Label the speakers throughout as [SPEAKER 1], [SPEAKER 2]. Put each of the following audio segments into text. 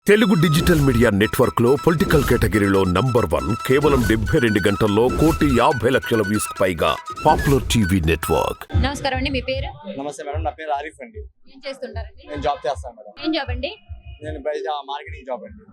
[SPEAKER 1] Telugu digital media network లో political కేటగిరీలో number 1 కేవలం 72 గంటల్లో 1,50,00,000 వ్యూస్ పైగా పాపులర్ టీవీ నెట్వర్క్.
[SPEAKER 2] నమస్కారం అండి, మీ పేరు?
[SPEAKER 3] నమస్తే మేడం, నా పేరు ఆరిఫ్ అండి.
[SPEAKER 2] ఏం చేస్తుంటారండి?
[SPEAKER 3] నేను జాబ్ చేస్తాను మేడం.
[SPEAKER 2] ఏం జాబ్ అండి?
[SPEAKER 3] నేను బయట మార్కెటింగ్ జాబ్ అండి.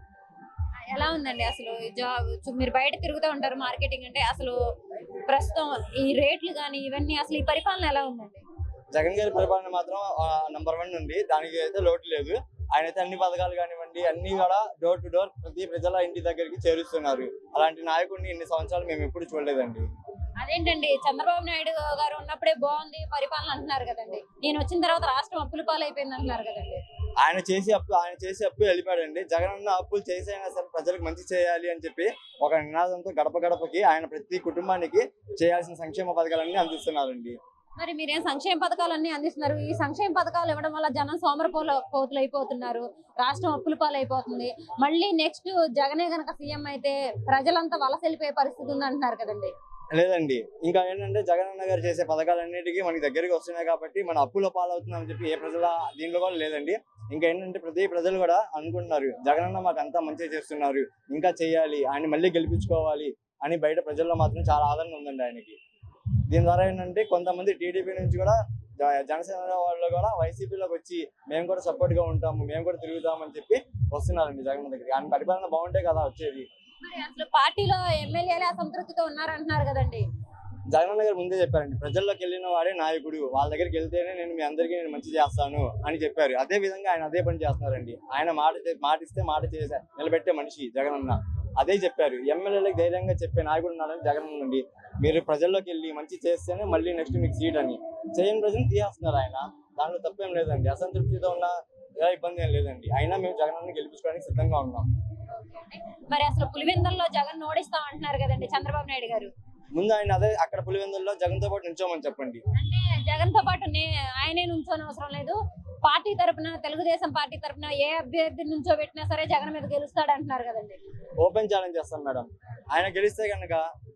[SPEAKER 2] ఎలా ఉందండి అసలు ఈ జాబ్? మీరు బయట తిరుగుతూ ఉంటారు, మార్కెటింగ్ అంటే అసలు ప్రస్తుతం ఈ రేట్లు కానీ ఇవన్నీ అసలు ఈ పరిపాలన ఎలా ఉందండి?
[SPEAKER 3] జగన్ గారి పరిపాలన మాత్రం నంబర్ 1 ఉంది, దానికి అయితే లోటు లేదు. ఆయన అయితే అన్ని పథకాలు కానివ్వండి అన్ని కూడా డోర్ టు డోర్ ప్రతి ప్రజల ఇంటి దగ్గరికి చేరుస్తున్నారు. అలాంటి నాయకుడిని ఇన్ని సంవత్సరాలు మేము ఎప్పుడు చూడలేదండి.
[SPEAKER 2] అదేంటండి, చంద్రబాబు నాయుడు గారు ఉన్నప్పుడే బాగుంది పరిపాలన అంటున్నారు కదండి, నేను వచ్చిన తర్వాత రాష్ట్రం అప్పుల పాలైపోయింది అంటున్నారు కదండి.
[SPEAKER 3] ఆయన చేసే అప్పు వెళ్ళిపోయాడండి. జగన్ అన్న అప్పులు చేసైనా సరే ప్రజలకు మంచి చేయాలి అని చెప్పి ఒక నినాదంతో గడప గడపకి ఆయన ప్రతి కుటుంబానికి చేయాల్సిన సంక్షేమ పథకాలన్నీ అందిస్తున్నారండి.
[SPEAKER 2] మరి మీరేం సంక్షేమ పథకాలన్నీ అందిస్తున్నారు, ఈ సంక్షేమ పథకాలు ఇవ్వడం వల్ల జనం సోమరపోతులు అయిపోతున్నారు, రాష్ట్రం అప్పుల పాలైపోతుంది. మళ్ళీ నెక్స్ట్ జగనే గనక సీఎం అయితే ప్రజలంతా వలస వెళ్ళిపోయే పరిస్థితి ఉంది అంటున్నారు కదండి.
[SPEAKER 3] లేదండి, ఇంకా ఏంటంటే జగన్ అన్న గారు చేసే పథకాలన్నిటికీ మనకి దగ్గరికి వస్తున్నాయి కాబట్టి మన అప్పుల పాలవుతున్నామని చెప్పి ఏ ప్రజల దీంట్లో కూడా లేదండి. ఇంకా ఏంటంటే ప్రతి ప్రజలు కూడా అనుకుంటున్నారు జగన్ అన్న మాకు అంతా మంచిగా చేస్తున్నారు, ఇంకా చేయాలి, ఆయన మళ్ళీ గెలిపించుకోవాలి అని బయట ప్రజల్లో మాత్రం చాలా ఆదరణ ఉందండి ఆయనకి. దీని ద్వారా ఏంటంటే కొంతమంది టీడీపీ నుంచి కూడా జనసేన వాళ్ళు కూడా వైసీపీలోకి వచ్చి మేము కూడా సపోర్ట్ గా ఉంటాము, మేము కూడా తిరుగుతామని చెప్పి వస్తున్నారండి జగన్ దగ్గరికి. ఆయన పరిపాలన బాగుంటే కదా వచ్చేది.
[SPEAKER 2] మరి అసలు పార్టీలో ఎమ్మెల్యేలే అసంతృప్తితో ఉన్నారంటున్నారు కదండి.
[SPEAKER 3] జగన్ గారు ముందే చెప్పారండి, ప్రజల్లోకి వెళ్ళిన వాడే నాయకుడు, వాళ్ళ దగ్గరికి వెళ్తేనే నేను అందరికీ మంచి చేస్తాను అని చెప్పారు. అదే విధంగా ఆయన అదే పని చేస్తున్నారండి. ఆయన మాట ఇస్తే మాట చేసే నిలబెట్టే మనిషి జగన్ అన్న. అదే చెప్పారు, ఎమ్మెల్యేలకు ధైర్యంగా చెప్పే నాయకుడు ఉన్నాడని జగన్ నుండి. మీరు ప్రజల్లోకి వెళ్ళి మంచి చేస్తేనే మళ్ళీ నెక్స్ట్ మీకు సీట్ అని చేయని ప్రజలు తీసేస్తున్నారు ఆయన. దాంట్లో తప్పేం లేదండి, అసంతృప్తితో ఉన్న ఇబ్బంది ఏం లేదండి. అయినా మేము జగన్ అన్న గెలిపించుకోవడానికి సిద్ధంగా ఉన్నాం.
[SPEAKER 2] మరి అసలు పులివెందుల్లో జగన్ ఓడిస్తాం అంటున్నారు కదండి చంద్రబాబు నాయుడు గారు.
[SPEAKER 3] ముందు ఆయన అదే అక్కడ పులివెందుల్లో జగన్ తో పాటు నుంచోమని చెప్పండి.
[SPEAKER 2] అంటే జగన్ తో పాటు ఆయనే నుంచోని అవసరం లేదు, పార్టీ తరపున తెలుగుదేశం పార్టీ తరపున ఏ అభ్యర్థి నుంచో పెట్టినా సరే జగన్ మీద గెలుస్తాడు అంటున్నారు కదండి.
[SPEAKER 3] ఓపెన్ ఛాలెంజ్ చేస్తాం మేడం. ఆయన గెలిస్తే కనుక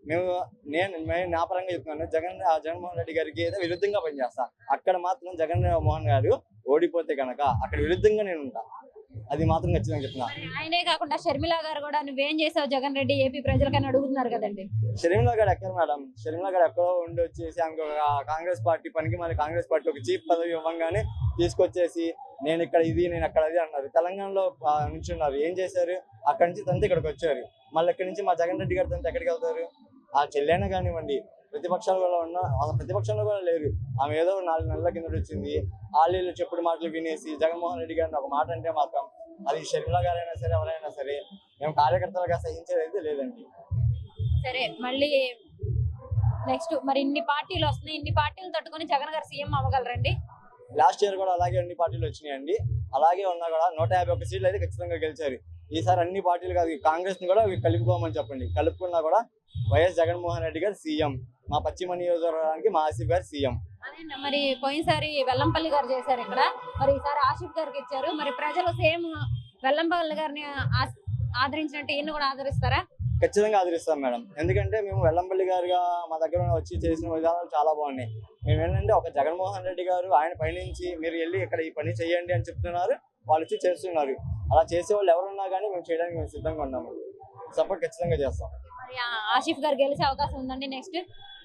[SPEAKER 3] నేను నా పరంగా చెప్తున్నాను, జగన్మోహన్ రెడ్డి గారికి ఏదో విరుద్ధంగా పనిచేస్తా. అక్కడ మాత్రం జగన్మోహన్ గారు ఓడిపోతే కనుక అక్కడ విరుద్ధంగా నేను ఉంటా, అది మాత్రం ఖచ్చితంగా చెప్తున్నా.
[SPEAKER 2] ఆయనే కాకుండా షర్మిల గారు కూడా నువ్వేం చేసావు జగన్ రెడ్డి ఏపీ ప్రజలకని అడుగుతున్నారు కదండి.
[SPEAKER 3] షర్మిల గారు ఎక్కడ మేడం, షర్మిల గారు ఎక్కడో ఉండి వచ్చేసి ఆమెకు కాంగ్రెస్ పార్టీ పనికి మళ్ళీ కాంగ్రెస్ పార్టీ ఒక చీఫ్ పదవి ఇవ్వగానే తీసుకొచ్చేసి నేను ఇక్కడ ఇది నేను అక్కడ అది అన్నారు. తెలంగాణలో నుంచి ఉన్నారు, ఏం చేశారు? అక్కడి నుంచి తంత ఇక్కడికి వచ్చారు. మళ్ళీ ఇక్కడి నుంచి మా జగన్ రెడ్డి గారి తంత ఎక్కడికి వెళ్తారు? ఆ చెల్లెనా కానివ్వండి, ప్రతిపక్షాలు కూడా ఉన్న ప్రతిపక్షంలో కూడా లేరు. ఆమె ఏదో 4 నెలల కింద వచ్చింది, వాళ్ళు చెప్పుడు మాటలు వినేసి జగన్మోహన్ రెడ్డి గారిని ఒక మాట అంటే మాత్రం అది షర్మిల గారైనా సరే ఎవరైనా సరే మేము కార్యకర్తలుగా సహించేది అయితే లేదండి.
[SPEAKER 2] సరే, మళ్ళీ నెక్స్ట్ మరి ఇన్ని పార్టీలు వస్తున్నాయి, ఇన్ని పార్టీలు తట్టుకొని జగన్ గారు సీఎం అవ్వగలరండి?
[SPEAKER 3] లాస్ట్ ఇయర్ కూడా అలాగే అన్ని పార్టీలు వచ్చినాయండి. అలాగే ఉన్నా కూడా 151 సీట్లు అయితే ఖచ్చితంగా గెలిచారు. ఈసారి అన్ని పార్టీలు కాదు, కాంగ్రెస్ ని కూడా కలుపుకోమని చెప్పండి. కలుపుకున్నా కూడా వైఎస్ జగన్మోహన్ రెడ్డి గారు సీఎం, మా పశ్చిమ నియోజకవర్గానికి మా ఆసిఫ్ గారు సీఎం.
[SPEAKER 2] అదే మరి పోయినసారి వెల్లంపల్లి గారు చేశారు ఇక్కడ, మరి ఈసారి ఆసిఫ్ గారికి ఇచ్చారు. మరి ప్రజలు సేమ్ వెల్లంపల్లి గారిని ఆదరించినట్టు ఈయన కూడా ఆదరిస్తారా?
[SPEAKER 3] ఖచ్చితంగా ఆదరిస్తాం మేడం. ఎందుకంటే మేము వెల్లంపల్లి గారుగా మా దగ్గర వచ్చి చేసిన విధానాలు చాలా బాగున్నాయి. మేము ఏంటంటే ఒక జగన్మోహన్ రెడ్డి గారు ఆయన పైనుంచి మీరు వెళ్ళి ఇక్కడ ఈ పని చేయండి అని చెప్తున్నారు, వాళ్ళు వచ్చి చేస్తున్నారు. అలా చేసే వాళ్ళు ఎవరున్నా కానీ మేము చేయడానికి మేము సిద్ధంగా ఉన్నాము. సపోర్ట్ ఖచ్చితంగా చేస్తాం.
[SPEAKER 2] ఆసిఫ్ గారు గెలిచే అవకాశం ఉందండి నెక్స్ట్?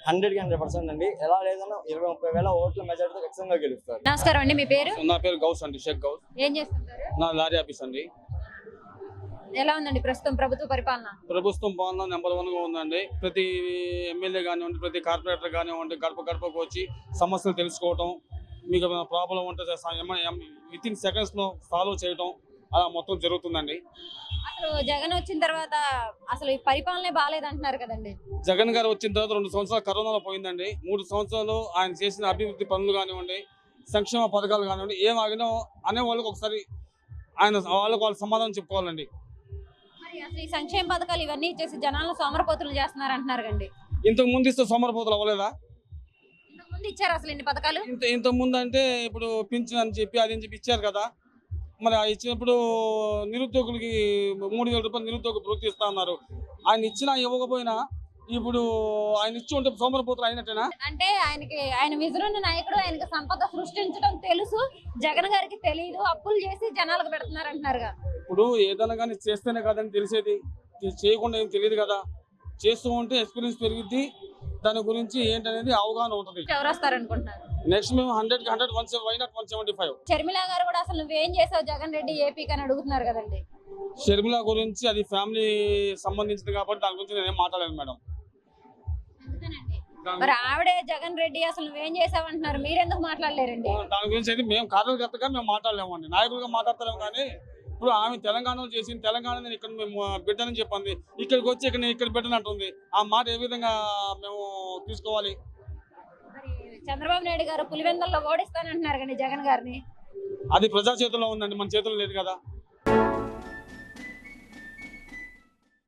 [SPEAKER 3] 100% అండి. ఎలా లేదన్నా 20-30 వేల ఓట్ల మెజారిటీతో ఖచ్చితంగా గెలుస్తారు.
[SPEAKER 2] నమస్కారం అండి, మీ పేరు?
[SPEAKER 4] నా పేరు గౌస్ అండి, షేక్ గౌస్.
[SPEAKER 2] ఏం చేస్తుంటారు?
[SPEAKER 4] నా లారీ ఆఫీస్ అండి.
[SPEAKER 2] ఎలా ఉందండి ప్రస్తుతం ప్రభుత్వ పరిపాలన?
[SPEAKER 4] ప్రభుత్వం బాగుందా, నెంబర్ 1 గా ఉందండి. ప్రతి ఎమ్మెల్యే కానివ్వండి, ప్రతి కార్పొరేటర్ కానివ్వండి, గడప గడపకు వచ్చి సమస్యలు తెలుసుకోవటం, మీకు ప్రాబ్లం ఉంటే వితిన్ సెకండ్స్ లో సాల్వ్ చేయటం అలా మొత్తం జరుగుతుందండి.
[SPEAKER 2] అసలు జగన్ వచ్చిన తర్వాత అసలు ఈ పరిపాలనే బాగాలేదంటున్నారు కదండి.
[SPEAKER 4] జగన్ గారు వచ్చిన తర్వాత 2 సంవత్సరాలు కరోనాలో పోయిందండి. 3 సంవత్సరాలు ఆయన చేసిన అభివృద్ధి పనులు కానివ్వండి, సంక్షేమ పథకాలు కానివ్వండి, ఏం ఆగినో అనే వాళ్ళకి ఒకసారి వాళ్ళ సమాధానం చెప్పుకోవాలండి.
[SPEAKER 2] అసలు ఈ సంక్షేమ పథకాలు ఇవన్నీ ఇచ్చేసి జనాలను సోమరపోతులు చేస్తున్నారు అంటున్నారు కండి.
[SPEAKER 4] ఇంతకు ముందు ఇస్తే సోమరపోతులు అవ్వలేదా?
[SPEAKER 2] ఇంతకు ముందు ఇచ్చారు అసలు ఇన్ని పథకాలు?
[SPEAKER 4] ఇంతకు ముందు అంటే ఇప్పుడు పింఛన్ అని చెప్పి అది అని చెప్పి ఇచ్చారు కదా. మరి ఇచ్చినప్పుడు నిరుద్యోగులకి 3,000 రూపాయలు నిరుద్యోగ వృత్తి ఇస్తా ఉన్నారు. ఆయన ఇచ్చినా ఇవ్వకపోయినా ఇప్పుడు ఆయన ఇచ్చి ఉంటే సోమరపోతులు అయినట్టేనా?
[SPEAKER 2] అంటే ఆయన విజృంభ నాయకుడు, ఆయనకి సంపద సృష్టించడం తెలుసు, జగన్ గారికి తెలియదు, అప్పులు చేసి జనాలకు పెడుతున్నారు అంటున్నారుగా.
[SPEAKER 4] ఇప్పుడు ఏదైనా కానీ చేస్తేనే కదని తెలిసేది, చేయకుండా ఏం తెలియదు కదా. చేస్తూ ఉంటే ఎక్స్పీరియన్స్ పెరిగిద్ది, దాని గురించి ఏంటనేది అవగాహన ఉంటుంది.
[SPEAKER 2] ఎవరు వస్తారనుకుంటున్నారు?
[SPEAKER 4] నెక్స్ట్ మేము 100కి 100 వై నాట్ 175.
[SPEAKER 2] షర్మిల గారు కూడా అసలు నువ్వేం చేసావు జగన్ రెడ్డి ఏపీకి అని అడుగుతున్నారు కదండి.
[SPEAKER 4] షర్మిల గురించి అది ఫ్యామిలీ సంబంధించింది కాబట్టి దాని గురించి నేనేం మాట్లాడలేదు మేడం.
[SPEAKER 2] మరి ఆవిడే జగన్ రెడ్డి అసలు నువ్వేం చేసావు అంటున్నారు, మీరెందుకు మాట్లాడలేరండి?
[SPEAKER 4] దాని గురించి అయితే మేము కార్యకర్తగా మేము మాట్లాడలేమండి, నాయకులుగా మాట్లాడతాం. కానీ ఇప్పుడు ఆమె తెలంగాణలో చేసింది, తెలంగాణ నేను ఇక్కడ మేము బిడ్డనని చెప్పింది, ఇక్కడికి వచ్చి ఇక్కడ నేను ఇక్కడ బిడ్డనంటుంది. ఆ మాట ఏ విధంగా మేము తీసుకోవాలి?
[SPEAKER 2] మరి చంద్రబాబు నాయుడు గారు పులివెందుల్లో ఓడిస్తానంటున్నారు కానీ జగన్ గారిని.
[SPEAKER 4] అది ప్రజా చేతుల్లో ఉందండి, మన చేతుల్లో లేదు కదా.